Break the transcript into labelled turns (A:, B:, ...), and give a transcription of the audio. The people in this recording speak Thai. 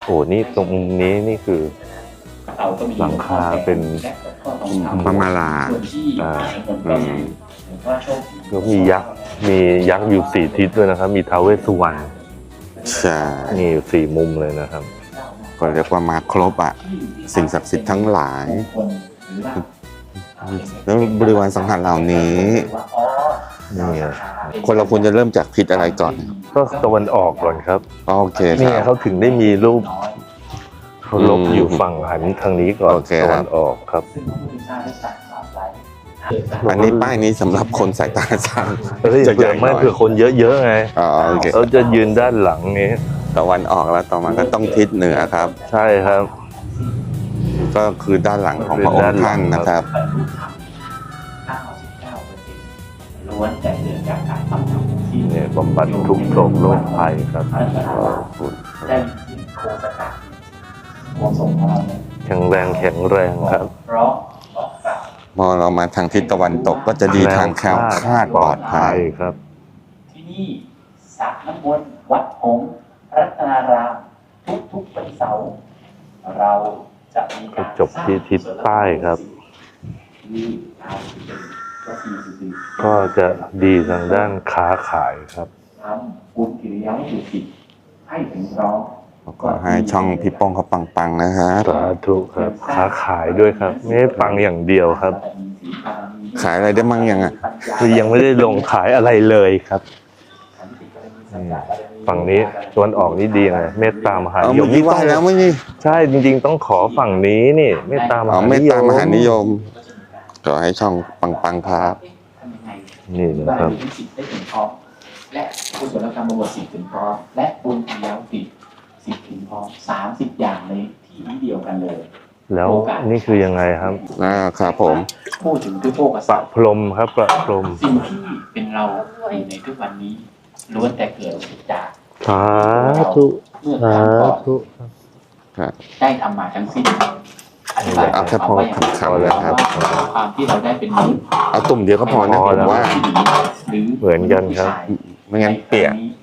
A: โอ้นี่ตรงนี้นี่คือหลังคาเป็น
B: พระมาลา
A: แล้วมียักษ์อยู่4 ทิศด้วยนะครับมีท้าวเวสสุวรรณ
B: ใช่
A: นี่อยู่4 มุมเลยนะครับ
B: ก็เรียกว่ามาครบอ่ะสิ่งศักดิ์สิทธิ์ทั้งหลายแล้วบริวารสังหารเหล่านี้
A: นี่
B: คนเราควรจะเริ่มจากทิศอะไรก่อน
A: ก็ตะวันออกก่อนครับ
B: โอเคค
A: นี่
B: รับ
A: เขาถึงได้มีรูปเขาลบอยู่ฝั่งหันทางนี้ก่อนตะวันออกครับ
B: อันนี้ป้ายนี้สำหรับคนสายตาสั้น
A: จะใหญ่ไม่เผื่อคนเยอะๆไงเขาจะยืนด้านหลังนี้
B: ตะวันออกแล้วต่อมาก็ต้องทิศเหนือครับ
A: ใช่ครับ
B: ก็คือด้านหลังของพระองค์ท่านนะครับ
C: ล้วนแต่เกิดจากการทำที่
A: เนี่ยบำบัดทุกโศกโรคภัยครับ
C: ได้ยินโคสกะโคสงของเราเนี่ย
A: แข็งแรงครับ
C: เพราะบอกกล่าว
B: พอเรามาทางทิศตะวันตกก็จะดีทางแคล้วคลาดปลอดภัย
A: ครับ
C: ที่นี่สระน้ำวนวัดหงส์รัตนารามทุกวันเสาร์เราจะมีการ
A: จบที่ทิศใต้ครับก็จะดีทางด้านค้าขายครับ
C: ทำบุญกิริยาสุจิตให้ถึงพร้อม
B: ก็ให้ช่องพี่ป้องเขาปังๆนะครับ
A: สาธุครับค้าขายด้วยครับไม่ได้ปังอย่างเดียวครับ
B: ขายอะไรได้มั่งยังอ่ะ
A: คือยังไม่ได้ลงขายอะไรเลยครับฝั่งนี้ตะวันออกนี่ดีไงเมตตามหานิยม
B: นี่ว่าแล้วไม่นี่
A: ใช่จริงๆต้องขอฝั่งนี้นี่เมตตามหานิยม
B: ก็ให้ช่องปังๆครับ
A: นี่นะครับ
C: และกุศลกรรมบวช10 ถึงพร้อมและบุญกิริยา10 ถึงพร้อม30 อย่างในที่นี้เดียวกันเลย
A: แล้วนี่คือยังไงครับ
B: ครับผม
C: พูดถึงด้วยโภคทรัพย์
A: ประพรมครับประพรม
C: สิ่งที่เป็นเราอยู่ในทุกวันนี้ล้วนแต่เกิดจาก
A: สาธุสาธุ
C: ได้ทำมาทั้งสิ้น
B: เอาแค่พอคำเลยครับ
C: ความที่เราได้เป็นมนุษย์
B: เอาตุ่มเดียวก็พอนะผมว่า
A: เหมือนกันครับ
B: ไม่งั้นเปียก